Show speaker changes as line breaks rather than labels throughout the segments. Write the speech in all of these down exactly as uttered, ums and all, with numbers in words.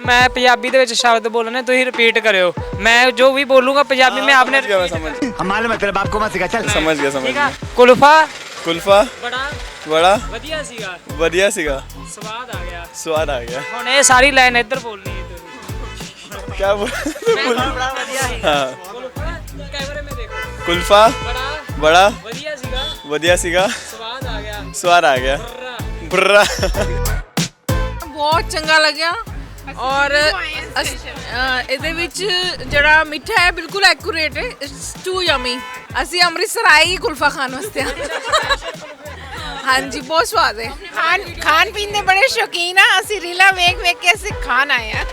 मैं पंजाबी दे विच शब्द बोलने तुसीं रिपीट करियो। मैं जो भी बोलूँगा पंजाबी में आपने
हमारे मतलब बाप को मत सिखा चल।
समझ गया समझ गया।
कुल्फा
कुल्फा
बड़ा
बड़ा
वधिया सीगा
वधिया सीगा
स्वाद आ गया
स्वाद आ गया।
हुण ये सारी लाइन इधर बोलनी है तुसीं।
क्या बोल
बड़ा वधिया है।
हाँ
कुल्फा कैमरे में देखो।
कुल्फा
बड़ा
बड़ा
वधिया सीगा
वधिया सीगा
स्वाद आ गया
स्वाद आ गया।
बुर्रा।
बुर्रा
ਬਹੁਤ ਚੰਗਾ ਲੱਗਿਆ ਔਰ ਇਹਦੇ ਵਿੱਚ ਜਿਹੜਾ ਮਿੱਠਾ ਹੈ ਬਿਲਕੁਲ ਐਕੂਰੇਟ ਹੈ। It's too yummy. ਅਸੀਂ ਅੰਮ੍ਰਿਤਸਰ ਆਏ ਹੀ ਕੁਲਫਾ ਖਾਣ ਵਾਸਤੇ। ਹਾਂਜੀ ਬਹੁਤ ਸਵਾਦ ਹੈ। ਖਾਣ ਖਾਣ ਪੀਣ ਦੇ ਬੜੇ ਸ਼ੌਕੀਨ ਆ। ਅਸੀਂ ਰੀਲਾ ਵੇਖ ਵੇਖ ਕੇ ਅਸੀਂ ਖਾਣ ਆਏ ਆ।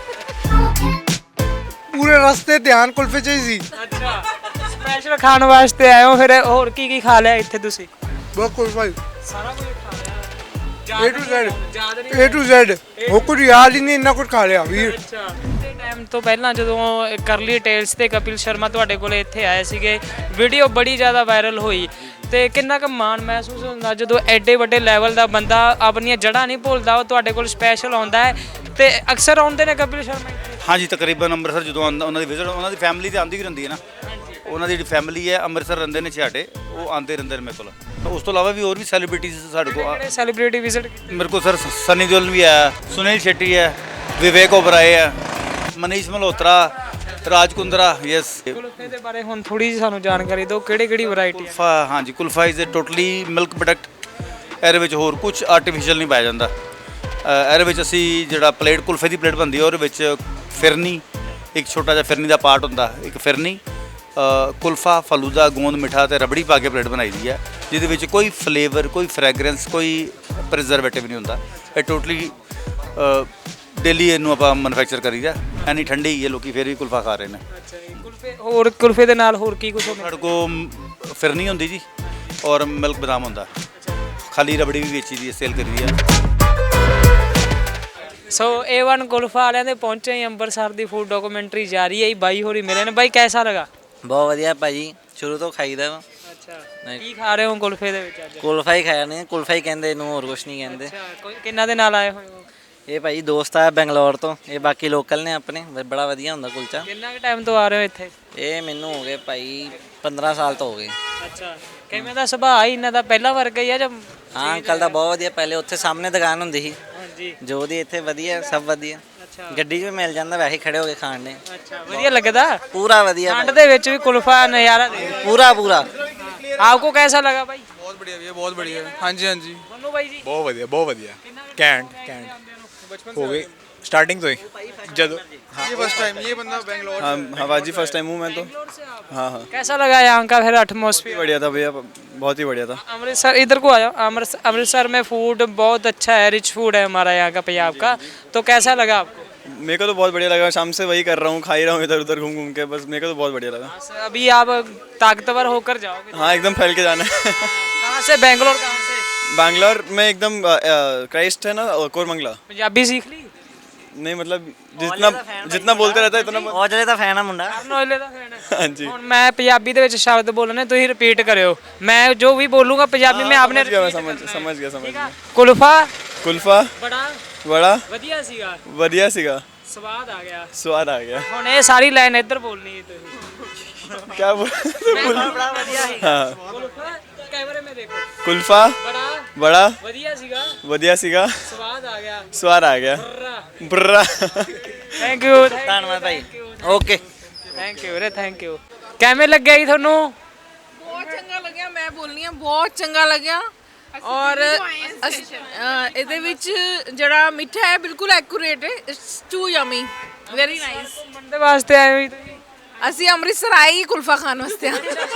ਪੂਰੇ ਰਸਤੇ ਧਿਆਨ ਕੁਲਫੇ ਚ ਹੀ ਸੀ।
ਅੱਛਾ ਸਪੈਸ਼ਲ ਖਾਣ ਵਾਸਤੇ ਆਏ ਹੋ ਫਿਰ ਹੋਰ ਕੀ ਕੀ ਖਾ ਲਿਆ ਇੱਥੇ ਤੁਸੀਂ?
ਬਹੁਤ ਕੁਲਫਾ
ਸਾਰਾ ਕੁਝ ਖਾ ਲਿਆ
A to Z
ਯਾਦ ਨਹੀਂ
A to Z ਉਹ ਕੁਝ ਯਾਦ ਹੀ ਨਹੀਂ ਇੰਨਾ ਕੁਝ ਖਾ ਲਿਆ ਵੀਰ।
ਅੱਛਾ ਤੇ ਟਾਈਮ ਤੋਂ ਪਹਿਲਾਂ ਜਦੋਂ ਕਰਲੀ ਟੇਲਸ ਤੇ ਕਪਿਲ ਸ਼ਰਮਾ ਤੁਹਾਡੇ ਕੋਲੇ ਇੱਥੇ ਆਏ ਸੀਗੇ ਵੀਡੀਓ ਬੜੀ ਜ਼ਿਆਦਾ ਵਾਇਰਲ ਹੋਈ ਤੇ ਕਿੰਨਾ ਕੁ ਮਾਣ ਮਹਿਸੂਸ ਹੁੰਦਾ ਜਦੋਂ ਐਡੇ ਵੱਡੇ ਲੈਵਲ ਦਾ ਬੰਦਾ ਆਪਣੀਆਂ ਜੜ੍ਹਾਂ ਨਹੀਂ ਭੁੱਲਦਾ ਉਹ ਤੁਹਾਡੇ ਕੋਲ ਸਪੈਸ਼ਲ ਆਉਂਦਾ ਹੈ ਤੇ ਅਕਸਰ ਆਉਂਦੇ ਨੇ ਕਪਿਲ ਸ਼ਰਮਾ ਇੱਥੇ?
ਹਾਂਜੀ ਤਕਰੀਬਨ ਅੰਮ੍ਰਿਤਸਰ ਜਦੋਂ ਆਉਂਦਾ ਉਹਨਾਂ ਦੀ ਵਿਜ਼ਿਟ ਉਹਨਾਂ ਦੀ ਫੈਮਿਲੀ ਤੇ ਆਉਂਦੀ ਹੀ ਰਹਿੰਦੀ ਹੈ ਨਾ। ਉਹਨਾਂ ਦੀ ਜਿਹੜੀ ਫੈਮਿਲੀ ਹੈ ਅੰਮ੍ਰਿਤਸਰ ਰਹਿੰਦੇ ਨੇ ਛਾਟੇ ਉਹ ਆਉਂਦੇ ਰਹਿੰਦੇ ਨੇ ਮੇਰੇ ਕੋਲ। ਉਸ ਤੋਂ ਇਲਾਵਾ ਵੀ ਹੋਰ ਵੀ ਸੈਲੀਬ੍ਰਿਟੀਜ਼ ਸਾਡੇ ਕੋਲ
ਕਿਹੜੇ ਸੈਲੀਬ੍ਰਿਟੀ ਵਿਜ਼ਿਟ ਕੀਤੀ?
ਮੇਰੇ ਕੋਲ ਸਰ ਸਨੀ ਦਿਓਲ ਵੀ ਹੈ, ਸੁਨੀਲ ਸ਼ੈਟੀ ਹੈ, ਵਿਵੇਕ ਓਬਰਾਏ ਹੈ, ਮਨੀਸ਼ ਮਲਹੋਤਰਾ, ਰਾਜ ਕੁੰਦਰਾ। ਯੈਸ
ਕੁਲਫੇ ਦੇ ਬਾਰੇ ਹੁਣ ਥੋੜੀ ਜਿਹੀ ਸਾਨੂੰ ਜਾਣਕਾਰੀ ਦਿਓ ਕਿਹੜੀ ਕਿਹੜੀ ਵੈਰਾਈਟੀ?
ਕੁਲਫਾ ਹਾਂਜੀ kulfa is a totally milk product. ਇਹਦੇ ਵਿੱਚ ਹੋਰ ਕੁਝ ਆਰਟੀਫੀਸ਼ੀਅਲ ਨਹੀਂ ਪਾਇਆ ਜਾਂਦਾ। ਇਹਦੇ ਵਿੱਚ ਅਸੀਂ ਜਿਹੜਾ ਪਲੇਟ ਕੁਲਫੇ ਦੀ ਪਲੇਟ ਬਣਦੀ ਹੈ ਉਹਦੇ ਵਿੱਚ ਫਿਰਨੀ ਇੱਕ ਛੋਟਾ ਜਿਹਾ ਫਿਰਨੀ ਦਾ ਪਾਰਟ ਹੁੰਦਾ ਇੱਕ ਫਿਰਨੀ ਕੁਲਫਾ ਫਲੂਦਾ ਗੋਂਦ ਮਿੱਠਾ ਤੇ ਰਬੜੀ ਪਾ ਕੇ ਪਲੇਟ ਬਣਾਈ ਦੀ ਹੈ ਜਿਹਦੇ ਵਿੱਚ ਕੋਈ ਫਲੇਵਰ ਕੋਈ ਫ੍ਰੈਗਰੈਂਸ ਕੋਈ ਪ੍ਰੀਜ਼ਰਵੇਟਿਵ ਨਹੀਂ ਹੁੰਦਾ। ਇਹ ਟੋਟਲੀ ਡੇਲੀ ਇਹਨੂੰ ਆਪਾਂ ਮੈਨੂਫੈਕਚਰ ਕਰੀਦਾ। ਐਨੀ ਠੰਡੀ ਹੀ ਹੈ ਲੋਕੀ ਫਿਰ ਵੀ ਕੁਲਫਾ ਖਾ ਰਹੇ ਨੇ।
ਅੱਛਾ ਜੀ ਕੁਲਫੇ ਹੋਰ ਕੁਲਫੇ ਦੇ ਨਾਲ ਹੋਰ ਕੀ ਕੁਝ ਹੁੰਦਾ?
ਸਾਡੇ ਕੋਲ ਫਿਰਨੀ ਹੁੰਦੀ ਜੀ ਔਰ ਮਿਲਕ ਬਦਾਮ ਹੁੰਦਾ। ਖਾਲੀ ਰਬੜੀ ਵੀ ਵੇਚੀ ਦੀ ਹੈ ਸੇਲ ਕਰੀ ਦੀ ਹੈ।
ਸੋ ਏ ਵਨ ਕੁਲਫਾ ਵਾਲਿਆਂ ਦੇ ਪਹੁੰਚੇ ਹੀ ਅੰਮ੍ਰਿਤਸਰ ਦੀ ਫੂਡ ਡਾਕੂਮੈਂਟਰੀ ਜਾਰੀ ਹੈ। ਬਾਈ ਹੋਰੀ ਮਿਲੇ ਨੇ। ਬਾਈ ਕੈਸਾ ਲਗਾ?
ਬਹੁਤ ਵਧੀਆ ਭਾਜੀ ਸ਼ੁਰੂ ਤੋਂ ਖਾਈਦਾ ਵਾ।
ਅੱਛਾ ਕੀ ਖਾ ਰਹੇ ਹੋ ਕੁਲਫੇ ਦੇ ਵਿੱਚ ਅੱਜ?
ਕੁਲਫਾ ਹੀ ਖਾਇਆ ਨੇ ਕੁਲਫਾ ਹੀ ਕਹਿੰਦੇ ਇਹਨੂੰ ਹੋਰ ਕੁਝ ਨਹੀਂ ਕਹਿੰਦੇ।
ਅੱਛਾ ਕੋਈ ਕਿੰਨਾ ਦੇ ਨਾਲ ਆਏ ਹੋਏ ਹੋ?
ਇਹ ਭਾਜੀ ਦੋਸਤ ਆ ਬੰਗਲੌਰ ਤੋਂ। ਇਹ ਬਾਕੀ ਲੋਕਲ ਨੇ ਆਪਣੇ ਬੜਾ ਵਧੀਆ ਹੁੰਦਾ ਕੁਲਚਾ।
ਕਿੰਨਾ ਕੁ ਟਾਈਮ ਤੋਂ ਆ ਰਹੇ ਹੋ ਇੱਥੇ?
ਇਹ ਮੈਨੂੰ ਹੋ ਗਏ ਭਾਈ ਪੰਦਰਾਂ ਸਾਲ ਤੋਂ ਹੋ ਗਏ।
ਅੱਛਾ ਕਿਵੇਂ ਦਾ ਸੁਭਾਅ ਹੀ ਇਹਨਾਂ ਦਾ ਪਹਿਲਾ ਵਰਗਾ ਹੀ ਆ ਜਾਂ?
ਹਾਂ ਅੰਕਲ ਦਾ ਬਹੁਤ ਵਧੀਆ। ਪਹਿਲੇ ਉੱਥੇ ਸਾਹਮਣੇ ਦੁਕਾਨ ਹੁੰਦੀ ਸੀ
ਹਾਂਜੀ
ਜੋ ਦੀ ਇੱਥੇ ਵਧੀਆ ਸਭ ਵਧੀਆ।
ਅੱਛਾ
ਗੱਡੀ 'ਚ ਵੀ ਮਿਲ ਜਾਂਦਾ ਵੈਸੇ ਖੜੇ ਹੋ ਕੇ ਖਾਣ ਨੇ।
ਅੱਛਾ ਵਧੀਆ ਲੱਗਦਾ
ਪੂਰਾ ਵਧੀਆ
ਠੰਡ ਦੇ ਵਿੱਚ ਵੀ ਕੁਲਫਾ ਨਜ਼ਾਰਾ ਦੇ।
ਪੂਰਾ ਪੂਰਾ।
आपको कैसा लगा भाई?
बहुत बढ़िया भैया बहुत बढ़िया। हाँ जी हाँ जी
मनु भाई जी
बहुत बढ़िया बहुत बढ़िया। कैंट कैंट हो गई स्टार्टिंग तो ही जब ये फर्स्ट टाइम ये बंदा बेंगलोर। हाँ हाँ बाजी फर्स्ट टाइम हूँ मैं तो। हाँ हाँ
कैसा लगा यहाँ का फिर एटमॉस्फेयर?
बढ़िया था भैया बहुत ही बढ़िया था।
अमृतसर इधर को आ जाओ। अमृतसर अमृतसर में फूड बहुत अच्छा है रिच फूड है हमारा यहाँ का पंजाब का। तो कैसा लगा आपको?
मेरे को तो बहुत बढ़िया लगा। शाम से वही कर रहा हूँ खा ही रहा हूँ इधर उधर घूम घूम के बस मेरे को तो बहुत बढ़िया लगा।
अभी आप ताकतवर होकर जाओगे?
हाँ एकदम फैल के जाना है।
कहाँ से? बेंगलोर कहाँ से?
बैंगलोर में एकदम क्राइस्ट है ना कोरमंगला।
पंजाबी सीख ली?
नहीं मतलब जितना जितना बोलते रहता है इतना।
ਔਜਲੇ ਦਾ ਫੈਨ ਆ ਮੁੰਡਾ।
ਨੋਇਲੇ ਦਾ ਫੈਨ ਹੈ।
हाँ जी
ਹੁਣ ਮੈਂ ਪੰਜਾਬੀ ਦੇ ਵਿੱਚ ਸ਼ਬਦ ਬੋਲਣੇ ਤੁਸੀਂ ਰਿਪੀਟ ਕਰਿਓ। ਮੈਂ ਜੋ ਵੀ बोलूंगा पंजाबी में आपने
समझ गया मैं समझ समझ गया समझ गया।
कुल्फा
कुल्फा
बड़ा
बड़ा
ਵਧੀਆ ਸੀਗਾ
बढ़िया सीगा
ਸਵਾਦ ਆ ਗਿਆ।
स्वाद आ गया।
ਹੁਣ ਇਹ ਸਾਰੀ ਲਾਈਨ ਇੱਧਰ ਬੋਲਣੀ ਹੈ ਤੁਸੀਂ।
क्या बोल
ਬੜਾ ਵਧੀਆ ਸੀ।
हाँ
ਕੁਲਫਾ ਕੈਮਰੇ में देखो।
कुल्फा
बड़ा
बड़ा
ਵਧੀਆ ਸੀਗਾ
बढ़िया सीगा
ਸਵਾਦ ਆ ਗਿਆ।
स्वाद आ गया। बुर्रा
ਥੈਂਕ ਯੂ
ਧੰਨਵਾਦ ਭਾਈ। ਓਕੇ
ਥੈਂਕ ਯੂ ਵੀਰੇ ਥੈਂਕ ਯੂ। ਕਿਵੇਂ ਲੱਗਿਆ ਜੀ ਤੁਹਾਨੂੰ?
ਬਹੁਤ ਚੰਗਾ ਲੱਗਿਆ। ਮੈਂ ਬੋਲਨੀ ਆ ਬਹੁਤ ਚੰਗਾ ਲੱਗਿਆ ਔਰ ਇਹਦੇ ਵਿੱਚ ਜਿਹੜਾ ਮਿੱਠਾ ਹੈ ਬਿਲਕੁਲ ਐਕੂਰੇਟ ਹੈ। It's too yummy very nice.
ਘੁੰਮਣ ਦੇ ਵਾਸਤੇ ਆਏ ਹੋ ਤੁਸੀਂ?
ਅਸੀਂ ਅੰਮ੍ਰਿਤਸਰ ਆਏ ਹੀ ਕੁਲਫਾ ਖਾਣ ਵਾਸਤੇ।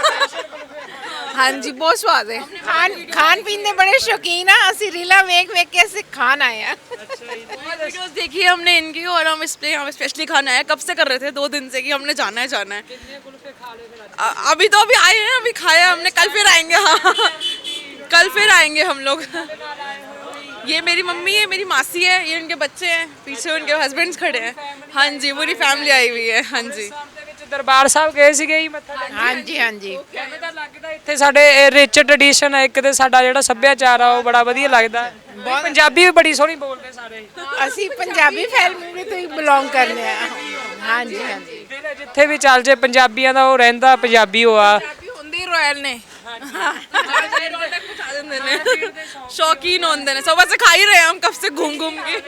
ਹਾਂਜੀ ਬਹੁਤ ਸਵਾਦ ਹੈ। ਖਾਣ ਖਾਣ ਪੀਣ ਦੇ बड़े शौकीन आ। ਅਸੀਂ रीला वेख वेख के ਅਸੀਂ खान आए हैं।
वीडियोस देखी है हमने इनकी और हम इस पे हम स्पेशली खाना है। कब से कर रहे थे दो दिन से कि हमने जाना है जाना है। अ- अभी तो अभी आए हैं अभी खाया हमने। कल फिर आएंगे। हाँ कल फिर आएंगे हम लोग। ये मेरी मम्मी है मेरी मासी है ये उनके बच्चे हैं पीछे उनके हस्बैंड्स खड़े हैं। हाँ जी पूरी फैमिली आई हुई है। हाँ जी
ਦਰਬਾਰ ਸਾਹਿਬ ਗਏ ਸੀਗੇ ਜੀ ਮੱਥਾ ਟੇਕਣ?
ਹਾਂਜੀ ਹਾਂਜੀ
ਕਿਵੇਂ ਦਾ ਲੱਗਦਾ ਇੱਥੇ ਸਾਡੇ ਰਿਚ ਟ੍ਰੈਡੀਸ਼ਨ ਹੈ ਇੱਕ ਤੇ ਸਾਡਾ ਜਿਹੜਾ ਸੱਭਿਆਚਾਰ ਆ ਉਹ ਬੜਾ ਵਧੀਆ ਲੱਗਦਾ ਹੈ। ਪੰਜਾਬੀ ਵੀ ਬੜੀ ਸੋਹਣੀ ਬੋਲਦੇ ਸਾਰੇ।
ਅਸੀਂ ਪੰਜਾਬੀ ਫੈਮਿਲੀ ਤੋਂ ਹੀ ਬਿਲੋਂਗ ਕਰਦੇ ਆ। ਹਾਂਜੀ ਹਾਂਜੀ
ਜਿਹੜੇ ਜਿੱਥੇ ਵੀ ਚੱਲ ਜੇ ਪੰਜਾਬੀਆਂ ਦਾ ਉਹ ਰਹਿੰਦਾ ਪੰਜਾਬੀ ਉਹ ਆ।
ਪੰਜਾਬੀ ਹੁੰਦੇ ਰੋਇਲ ਨੇ।
रौनक मचा देंगे ने शौकीन होंगे ने सुबह से खा ही रहे हैं हम कब से घूम घूम के।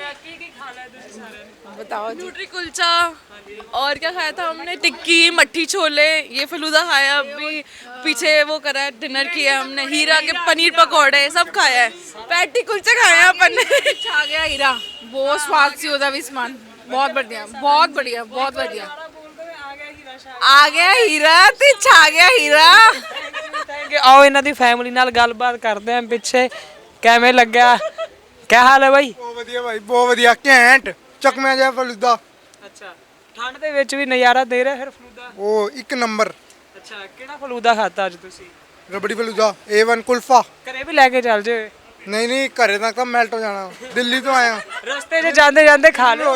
बताओ जी।
न्यूट्री कुलचा और क्या खाया था हमने, टिक्की मट्ठी छोले, ये फलूदा खाया, अभी पीछे वो करा है डिनर किया हमने, हीरा के पनीर पकौड़े सब खाया है, पैटी कुलचे खाए हैं अपन ने।
आ गया हीरा, बहुत स्वाद सी ਉਹਦਾ ਵੀ ਸਮਾਨ, ਬਹੁਤ बढ़िया बहुत बढ़िया बहुत बढ़िया। ਆ ਗਿਆ ਹੀਰਾ ਤੇ ਛਾ ਗਿਆ ਹੀਰਾ।
Thank you. ਆਓ ਇਹਨਾਂ ਦੀ ਫੈਮਿਲੀ ਨਾਲ ਗੱਲਬਾਤ ਕਰਦੇ ਆਂ ਪਿੱਛੇ। ਕਿਵੇਂ ਲੱਗਿਆ? ਕੀ ਹਾਲ ਹੈ ਬਾਈ?
ਬਹੁਤ ਵਧੀਆ ਭਾਈ, ਬਹੁਤ ਵਧੀਆ, ਘੈਂਟ ਚਕਮਿਆ ਜਿਹਾ ਫਲੂਦਾ।
ਅੱਛਾ, ਠੰਡ ਦੇ ਵਿੱਚ ਵੀ ਨਜ਼ਾਰਾ ਦੇ ਰਿਹਾ ਫਿਰ ਫਲੂਦਾ?
ਉਹ ਇੱਕ ਨੰਬਰ।
ਅੱਛਾ, ਕਿਹੜਾ ਫਲੂਦਾ ਖਾਤਾ ਅੱਜ ਤੁਸੀਂ?
Rabri falooda, A one kulfa.
ਘਰੇ ਵੀ ਲੈ ਕੇ ਚੱਲ ਜੇ।
ਨਹੀਂ ਨਹੀਂ, ਘਰੇ ਤੱਕ ਤਾਂ ਮੈਲਟ ਹੋ ਜਾਣਾ, ਦਿੱਲੀ ਤੋਂ ਆਇਆ।
ਰਸਤੇ 'ਚ ਜਾਂਦੇ ਜਾਂਦੇ ਖਾ ਲਿਓ।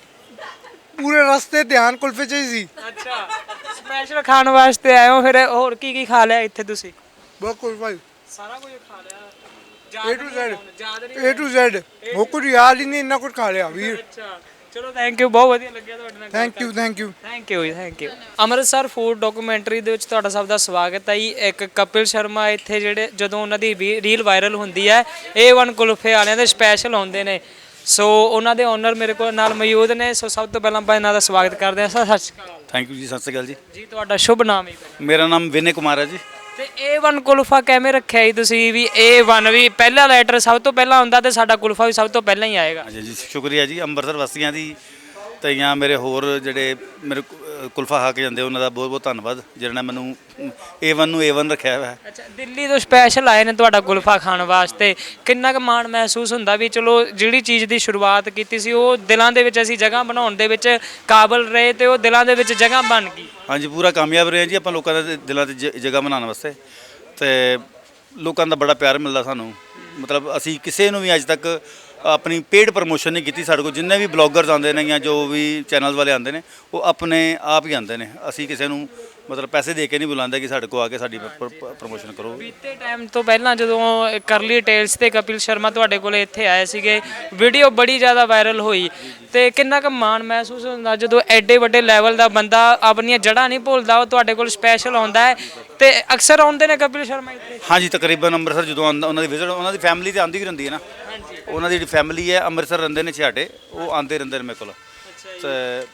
ਪੂਰੇ ਰਸਤੇ ਧਿਆਨ ਕੁਲਫੇ 'ਚ ਹੀ ਸੀ।
ਅੱਛਾ, ਸਪੈਸ਼ਲ ਖਾਣ ਵਾਸਤੇ ਆਏ ਹੋ ਫਿਰ? ਹੋਰ ਕੀ ਕੀ ਖਾ ਲਿਆ ਇੱਥੇ ਤੁਸੀਂ?
ਬਹੁਤ ਕੁਝ ਭਾਈ,
ਸਾਰਾ ਕੁਝ ਖਾ ਲਿਆ।
ਏ ਟੂ ਜ਼ੈਡ,
ਯਾਦ ਨਹੀਂ?
ਏ ਟੂ ਜ਼ੈਡ, ਉਹ ਕੁਝ ਯਾਦ ਹੀ ਨਹੀਂ, ਇੰਨਾ ਕੁਝ ਖਾ ਲਿਆ ਵੀਰ।
ਅੱਛਾ, ਚਲੋ ਥੈਂਕ ਯੂ, ਬਹੁਤ ਵਧੀਆ ਲੱਗਿਆ ਤੁਹਾਡੇ ਨਾਲ।
Thank you thank you.
Thank you ਜੀ, thank you. Amritsar food documentary ਦੇ ਵਿੱਚ ਤੁਹਾਡਾ ਸਭ ਦਾ ਸਵਾਗਤ ਹੈ ਜੀ। ਇੱਕ ਕਪਿਲ ਸ਼ਰਮਾ ਇੱਥੇ ਜਿਹੜੇ ਜਦੋਂ ਉਹਨਾਂ ਦੀ ਰੀਲ ਵਾਇਰਲ ਹੁੰਦੀ ਹੈ, ਏ ਵਨ ਕੁਲਫੇ ਵਾਲਿਆਂ ਦੇ ਸਪੈਸ਼ਲ ਆਉਂਦੇ ਨੇ। ਸੋ ਉਹਨਾਂ ਦੇ ਓਨਰ ਮੇਰੇ ਕੋਲ ਨਾਲ ਮੌਜੂਦ ਨੇ। ਸੋ ਸਭ ਤੋਂ ਪਹਿਲਾਂ ਆਪਾਂ ਇਹਨਾਂ ਦਾ ਸਵਾਗਤ ਕਰਦੇ ਹਾਂ। ਸਰ ਸਤਿ ਸ਼੍ਰੀ ਅਕਾਲ।
ਥੈਂਕ ਯੂ ਜੀ, ਸਤਿ ਸ਼੍ਰੀ ਅਕਾਲ ਜੀ।
ਜੀ ਤੁਹਾਡਾ ਸ਼ੁਭ ਨਾਮ ਹੈ?
ਮੇਰਾ ਨਾਮ ਵਿਨੇ ਕੁਮਾਰ ਹੈ ਜੀ।
ਤੇ ਏ ਵਨ ਕੁਲਫਾ ਕਿਵੇਂ ਰੱਖਿਆ ਜੀ ਤੁਸੀਂ? ਵੀ ਏ ਵਨ ਵੀ ਪਹਿਲਾ ਲੈਟਰ ਸਭ ਤੋਂ ਪਹਿਲਾਂ ਹੁੰਦਾ ਤੇ ਸਾਡਾ ਕੁਲਫਾ ਵੀ ਸਭ ਤੋਂ ਪਹਿਲਾਂ ਹੀ ਆਏਗਾ।
ਹਾਂਜੀ ਜੀ, ਸ਼ੁਕਰੀਆ ਜੀ ਅੰਮ੍ਰਿਤਸਰ ਵਾਸੀਆਂ ਦੀ ਤੇ ਜਾਂ ਮੇਰੇ ਹੋਰ ਜਿਹੜੇ ਮੇਰੇ ਕੁ- ਕੁਲਫਾ ਖਾ ਕੇ ਜਾਂਦੇ ਉਹਨਾਂ ਦਾ ਬਹੁਤ ਬਹੁਤ ਧੰਨਵਾਦ ਜਿਹਨਾਂ ਨੇ ਮੈਨੂੰ ਏ ਵਨ ਨੂੰ ਏ ਵਨ ਰੱਖਿਆ ਹੋਇਆ ਹੈ।
ਅੱਛਾ, ਦਿੱਲੀ ਤੋਂ ਸਪੈਸ਼ਲ ਆਏ ਨੇ ਤੁਹਾਡਾ ਕੁਲਫਾ ਖਾਣ ਵਾਸਤੇ। ਕਿੰਨਾ ਕੁ ਮਾਣ ਮਹਿਸੂਸ ਹੁੰਦਾ ਵੀ ਚਲੋ ਜਿਹੜੀ ਚੀਜ਼ ਦੀ ਸ਼ੁਰੂਆਤ ਕੀਤੀ ਸੀ ਉਹ ਦਿਲਾਂ ਦੇ ਵਿੱਚ ਅਸੀਂ ਜਗ੍ਹਾ ਬਣਾਉਣ ਦੇ ਵਿੱਚ ਕਾਬਲ ਰਹੇ ਤੇ ਉਹ ਦਿਲਾਂ ਦੇ ਵਿੱਚ ਜਗ੍ਹਾ ਬਣ ਗਈ?
ਹਾਂਜੀ, ਪੂਰਾ ਕਾਮਯਾਬ ਰਹੇ ਜੀ ਆਪਾਂ ਲੋਕਾਂ ਦੇ ਦਿਲਾਂ 'ਤੇ ਜ- ਜਗ੍ਹਾ ਬਣਾਉਣ ਵਾਸਤੇ। ਤੇ ਲੋਕਾਂ ਦਾ ਬੜਾ ਪਿਆਰ ਮਿਲਦਾ ਸਾਨੂੰ। ਮਤਲਬ ਅਸੀਂ ਕਿਸੇ ਨੂੰ ਵੀ ਅੱਜ ਤੱਕ ਆਪਣੀ ਪੇਡ ਪ੍ਰਮੋਸ਼ਨ ਨਹੀਂ ਕੀਤੀ। ਸਾਡੇ ਕੋਲ ਜਿੰਨੇ ਵੀ ਬਲੌਗਰਸ ਆਉਂਦੇ ਨੇ ਜਾਂ ਜੋ ਵੀ ਚੈਨਲ ਵਾਲੇ ਆਉਂਦੇ ਨੇ ਉਹ ਆਪਣੇ ਆਪ ਹੀ ਆਉਂਦੇ ਨੇ। ਅਸੀਂ ਕਿਸੇ ਨੂੰ ਮਤਲਬ ਪੈਸੇ ਦੇ ਕੇ ਨਹੀਂ ਬੁਲਾਉਂਦੇ ਕਿ ਸਾਡੇ ਕੋਲ ਆ ਕੇ ਸਾਡੀ ਪ੍ਰਮੋਸ਼ਨ ਕਰੋ।
ਬੀਤੇ ਟਾਈਮ ਤੋਂ ਪਹਿਲਾਂ ਜਦੋਂ ਕਰਲੀ ਟੇਲਸ ਤੇ ਕਪਿਲ ਸ਼ਰਮਾ ਤੁਹਾਡੇ ਕੋਲੇ ਇੱਥੇ ਆਏ ਸੀਗੇ, ਵੀਡੀਓ ਬੜੀ ਜ਼ਿਆਦਾ ਵਾਇਰਲ ਹੋਈ ਤੇ ਕਿੰਨਾ ਕੁ ਮਾਣ ਮਹਿਸੂਸ ਹੁੰਦਾ ਜਦੋਂ ਐਡੇ ਵੱਡੇ ਲੈਵਲ ਦਾ ਬੰਦਾ ਆਪਣੀਆਂ ਜੜ੍ਹਾਂ ਨਹੀਂ ਭੁੱਲਦਾ, ਉਹ ਤੁਹਾਡੇ ਕੋਲ ਸਪੈਸ਼ਲ ਆਉਂਦਾ ਹੈ ਤੇ ਅਕਸਰ ਆਉਂਦੇ ਨੇ ਕਪਿਲ ਸ਼ਰਮਾ ਇੱਥੇ?
ਹਾਂਜੀ, ਤਕਰੀਬਨ ਅੰਮ੍ਰਿਤਸਰ ਜਦੋਂ ਆਉਂਦਾ ਉਹਨਾਂ ਦੀ ਵਿਜ਼ਿਟ, ਉਹਨਾਂ ਦੀ ਫੈਮਿਲੀ ਤੇ ਆਉਂਦੀ ਹੀ ਰਹਿੰਦੀ ਹੈ ਨਾ। ਉਹਨਾਂ ਦੀ ਜਿਹੜੀ ਫੈਮਿਲੀ ਹੈ ਅੰਮ੍ਰਿਤਸਰ ਰਹਿੰਦੇ ਨੇ ਛਾਟੇ, ਉਹ ਆਉਂਦੇ ਰਹਿੰਦੇ ਨੇ ਮੇਰੇ ਕੋਲ। ਤੇ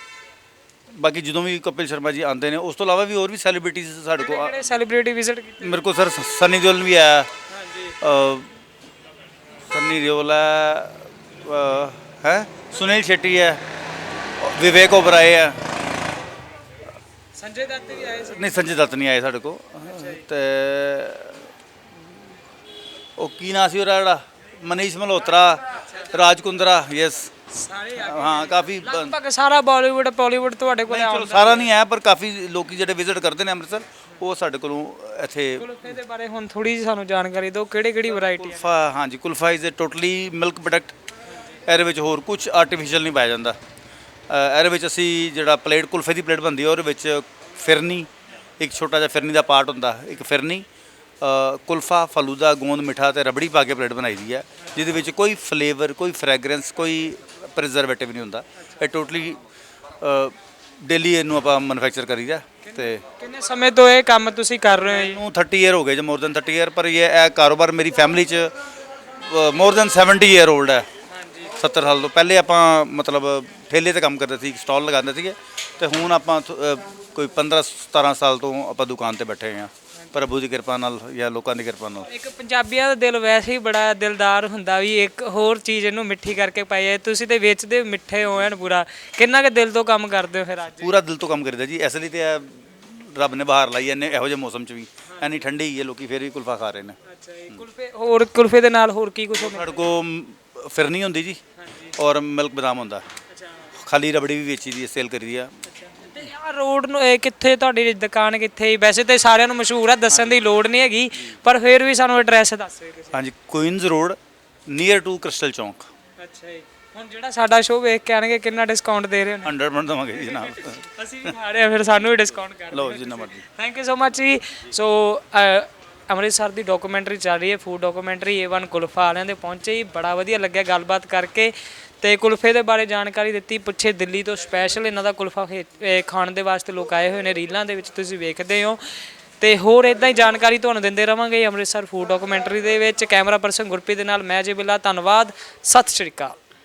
ਬਾਕੀ ਜਦੋਂ ਵੀ ਕਪਿਲ ਸ਼ਰਮਾ ਜੀ ਆਉਂਦੇ ਨੇ, ਉਸ ਤੋਂ ਇਲਾਵਾ ਵੀ ਹੋਰ ਵੀ ਸੈਲੀਬ੍ਰਿਟੀਜ਼ ਸਾਡੇ ਕੋਲ
ਕਿਹੜੇ ਸੈਲੀਬ੍ਰਿਟੀ ਵਿਜ਼ਿਟ ਕੀਤੇ?
ਮੇਰੇ ਕੋਲ ਸਰ ਸਨੀ ਦਿਓਲ ਵੀ ਆਇਆ। ਹਾਂਜੀ, ਸਨੀ ਦਿਓਲ ਹੈ, ਹੈ ਸੁਨੀਲ ਸ਼ੈਟੀ ਹੈ, ਵਿਵੇਕ ਓਬਰਾਏ ਹੈ।
ਸੰਜੇ ਦੱਤ ਵੀ ਆਏ ਸੀ?
ਨਹੀਂ, ਸੰਜੇ ਦੱਤ ਨਹੀਂ ਆਏ ਸਾਡੇ ਕੋਲ। ਤੇ ਉਹ ਕੀ ਨਾਂ ਸੀ ਉਹਦਾ ਜਿਹੜਾ ਮਨੀਸ਼ ਮਲਹੋਤਰਾ, ਰਾਜ ਕੁੰਦਰਾ, ਯੈਸ
ਸਾਰੇ
ਹਾਂ, ਕਾਫੀ
ਲਗਭਗ ਸਾਰਾ ਬਾਲੀਵੁੱਡ ਬਾਲੀਵੁੱਡ ਤੁਹਾਡੇ ਕੋਲ
ਚਲੋ ਸਾਰਾ ਨਹੀਂ ਆਇਆ ਪਰ ਕਾਫੀ ਲੋਕੀ ਜਿਹੜੇ ਵਿਜ਼ਿਟ ਕਰਦੇ ਨੇ ਅੰਮ੍ਰਿਤਸਰ ਉਹ ਸਾਡੇ ਕੋਲੋਂ ਇੱਥੇ।
ਕੁਲਫੇ ਦੇ ਬਾਰੇ ਹੁਣ ਥੋੜੀ ਜਿਹੀ ਸਾਨੂੰ ਜਾਣਕਾਰੀ ਦਿਓ, ਕਿਹੜੀ ਕਿਹੜੀ ਵੈਰਾਈਟੀ ਹੈ?
ਕੁਲਫਾ, ਹਾਂਜੀ, kulfa is a totally milk product. ਇਹਦੇ ਵਿੱਚ ਹੋਰ ਕੁਝ ਆਰਟੀਫੀਸ਼ੀਅਲ ਨਹੀਂ ਪਾਇਆ ਜਾਂਦਾ। ਅ, ਇਹਦੇ ਵਿੱਚ ਅਸੀਂ ਜਿਹੜਾ ਪਲੇਟ ਕੁਲਫੇ ਦੀ ਪਲੇਟ ਬਣਦੀ ਹੈ ਉਹਦੇ ਵਿੱਚ ਫਿਰਨੀ, ਇੱਕ ਛੋਟਾ ਜਿਹਾ ਫਿਰਨੀ ਦਾ ਪਾਰਟ ਹੁੰਦਾ, ਇੱਕ ਫਿਰਨੀ, ਅ, ਕੁਲਫਾ, ਫਲੂਦਾ, ਗੋਂਦ ਮਿੱਠਾ ਤੇ ਰਬੜੀ ਪਾ ਕੇ ਪਲੇਟ ਬਣਾਈ ਦੀ ਹੈ, ਜਿਹਦੇ ਵਿੱਚ ਕੋਈ ਫਲੇਵਰ, ਕੋਈ ਫ੍ਰੈਗਰੈਂਸ, ਕੋਈ ਪ੍ਰੀਜ਼ਰਵੇਟਿਵ ਨਹੀਂ ਹੁੰਦਾ। ਇਹ ਟੋਟਲੀ ਡੇਲੀ ਇਹਨੂੰ ਆਪਾਂ ਮੈਨੂਫੈਕਚਰ ਕਰੀਦਾ। ਤੇ
ਕਿੰਨੇ ਸਮੇਂ ਤੋਂ ਇਹ ਕੰਮ ਤੁਸੀਂ ਕਰ ਰਹੇ ਹੋ ਜੀ?
ਨੂੰ ਥਰਟੀ ਈਅਰ ਹੋ ਗਏ ਜੀ, ਮੋਰ ਦੈਨ ਥਰਟੀ ਈਅਰ। ਪਰ ਇਹ ਇਹ ਕਾਰੋਬਾਰ ਮੇਰੀ ਫੈਮਿਲੀ 'ਚ more than seventy year old ਹੈ। ਸੱਤਰ ਸਾਲ ਤੋਂ ਪਹਿਲੇ ਆਪਾਂ ਮਤਲਬ ਠੇਲੇ ਤੇ ਕੰਮ ਕਰਦੇ ਸੀ, ਸਟਾਲ ਲਗਾਉਂਦੇ ਸੀਗੇ ਤੇ ਹੁਣ ਆਪਾਂ ਥ- ਅ, ਕੋਈ ਪੰਦਰਾਂ ਸਤਾਰਾਂ ਸਾਲ ਤੋਂ ਆਪਾਂ ਦੁਕਾਨ ਤੇ ਬੈਠੇ ਹਾਂ ਪ੍ਰਭੂ ਦੀ ਕਿਰਪਾ ਨਾਲ ਜਾਂ ਲੋਕਾਂ ਦੀ ਕਿਰਪਾ ਨਾਲ।
ਇੱਕ ਪੰਜਾਬੀਆਂ ਦਾ ਦਿਲ ਵੈਸੇ ਹੀ ਬੜਾ ਦਿਲਦਾਰ ਹੁੰਦਾ ਵੀ ਇੱਕ ਹੋਰ ਚੀਜ਼ ਇਹਨੂੰ ਮਿੱਠੀ ਕਰਕੇ ਪਾਈ ਜਾਏ। ਤੁਸੀਂ ਤੇ ਵੇਚਦੇ ਮਿੱਠੇ ਹੋ ਐਨ ਪੂਰਾ, ਕਿੰਨਾ ਕੁ ਦਿਲ ਤੋਂ ਕੰਮ ਕਰਦੇ ਹੋ ਫਿਰ ਅੱਜ?
ਪੂਰਾ ਦਿਲ ਤੋਂ ਕੰਮ ਕਰੀਦਾ ਜੀ। ਇਸ ਲਈ ਤੇ ਇਹ ਰੱਬ ਨੇ ਬਹਾਰ ਲਾਈ ਐਨੇ ਇਹੋ ਜਿਹੇ ਮੌਸਮ 'ਚ ਵੀ, ਐਨੀ ਠੰਡੀ ਹੀ ਹੈ, ਲੋਕੀ ਫਿਰ ਵੀ ਕੁਲਫਾ ਖਾ ਰਹੇ ਨੇ।
ਅੱਛਾ ਜੀ, ਕੁਲਫੇ ਹੋਰ ਕੁਲਫੇ ਦੇ ਨਾਲ ਹੋਰ ਕੀ ਕੁਛ ਹੁੰਦਾ?
ਸਾਡੇ ਕੋਲ ਫਿਰਨੀ ਹੁੰਦੀ ਜੀ ਔਰ ਮਿਲਕ ਬਦਾਮ ਹੁੰਦਾ। ਖਾਲੀ ਰਬੜੀ ਵੀ ਵੇਚੀ ਦੀ, ਸੇਲ ਕਰੀ ਦੀ ਆ।
ਤੇ ਯਾਰ ਰੋਡ ਨੂੰ ਇਹ ਕਿੱਥੇ ਤੁਹਾਡੀ ਦੁਕਾਨ ਕਿੱਥੇ? ਵੈਸੇ ਤੇ ਸਾਰਿਆਂ ਨੂੰ ਮਸ਼ਹੂਰ ਆ, ਦੱਸਣ ਦੀ ਲੋੜ ਨਹੀਂ ਹੈਗੀ, ਪਰ ਫਿਰ ਵੀ ਸਾਨੂੰ ਐਡਰੈਸ ਦੱਸ ਦਿਓ ਕਿਸੇ।
ਹਾਂਜੀ, Queens road near to Crystal Chowk.
ਅੱਛਾ ਜੀ, ਹੁਣ ਜਿਹੜਾ ਸਾਡਾ ਸ਼ੋਅ ਵੇਖ ਕੇ ਆਣਗੇ ਕਿੰਨਾ ਡਿਸਕਾਊਂਟ ਦੇ ਰਹੇ ਹੋ
ਹੰਡਰਡ ਪਰਸੈਂਟ ਦੇਵਾਂਗੇ ਜੀ ਜਨਾਬ।
ਅਸੀਂ ਵੀ ਖਾ ਰਹੇ ਹਾਂ ਫਿਰ ਸਾਨੂੰ ਵੀ ਡਿਸਕਾਊਂਟ ਕਰ
ਲਓ ਜਿੰਨਾ ਮਰਜ਼ੀ।
ਥੈਂਕ ਯੂ ਸੋ ਮਚ ਜੀ। ਸੋ ਅੰਮ੍ਰਿਤਸਰ ਦੀ ਡਾਕੂਮੈਂਟਰੀ ਚੱਲ ਰਹੀ ਹੈ, food documentary A one kulfa ਵਾਲਿਆਂ ਦੇ ਪਹੁੰਚੇ ਜੀ, ਬੜਾ ਵਧੀਆ ਲੱਗਿਆ ਗੱਲਬਾਤ ਕਰਕੇ ਤੇ ਕੁਲਫੇ ਦੇ ਬਾਰੇ ਜਾਣਕਾਰੀ ਦਿੱਤੀ। ਪੁੱਛੇ ਦਿੱਲੀ ਤੋਂ ਸਪੈਸ਼ਲ ਇਹਨਾਂ ਦਾ ਕੁਲਫਾ ਖੇ- ਇਹ ਖਾਣ ਦੇ ਵਾਸਤੇ ਲੋਕ ਆਏ ਹੋਏ ਨੇ, ਰੀਲਾਂ ਦੇ ਵਿੱਚ ਤੁਸੀਂ ਵੇਖਦੇ ਹੋ। ਤੇ ਹੋਰ ਇਦਾਂ ਹੀ ਜਾਣਕਾਰੀ ਤੁਹਾਨੂੰ ਦਿੰਦੇ ਰਵਾਂਗੇ ਅੰਮ੍ਰਿਤਸਰ ਫੂਡ ਡਾਕੂਮੈਂਟਰੀ ਦੇ ਵਿੱਚ। ਕੈਮਰਾ ਪਰਸਨ ਗੁਰਪ੍ਰੀਤ ਦੇ ਨਾਲ ਮੈਂ ਜੇ ਬਿੱਲਾ, ਧੰਨਵਾਦ, ਸਤਿ ਸ਼੍ਰੀ ਅਕਾਲ।